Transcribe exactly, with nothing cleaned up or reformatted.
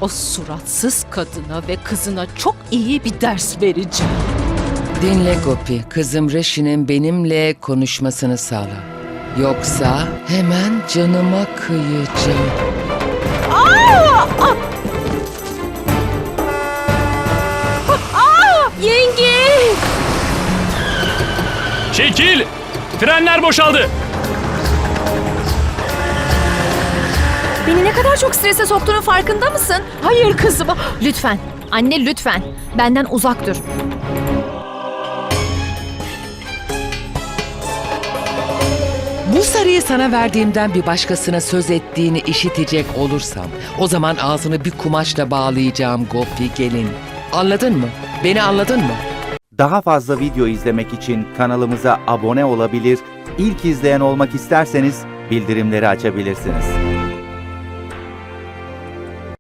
O suratsız kadına ve kızına çok iyi bir ders vereceğim. Dinle Gopi, kızım Reşi'nin benimle konuşmasını sağla. Yoksa hemen canıma kıyacağım. Yenge! Çekil! Frenler boşaldı. Beni ne kadar çok strese soktuğunun farkında mısın? Hayır kızım. Lütfen. Anne lütfen. Benden uzak dur. Bu sarıyı sana verdiğimden bir başkasına söz ettiğini işitecek olursam, o zaman ağzını bir kumaşla bağlayacağım Gopi gelin. Anladın mı? Beni anladın mı? Daha fazla video izlemek için kanalımıza abone olabilir, ilk izleyen olmak isterseniz bildirimleri açabilirsiniz.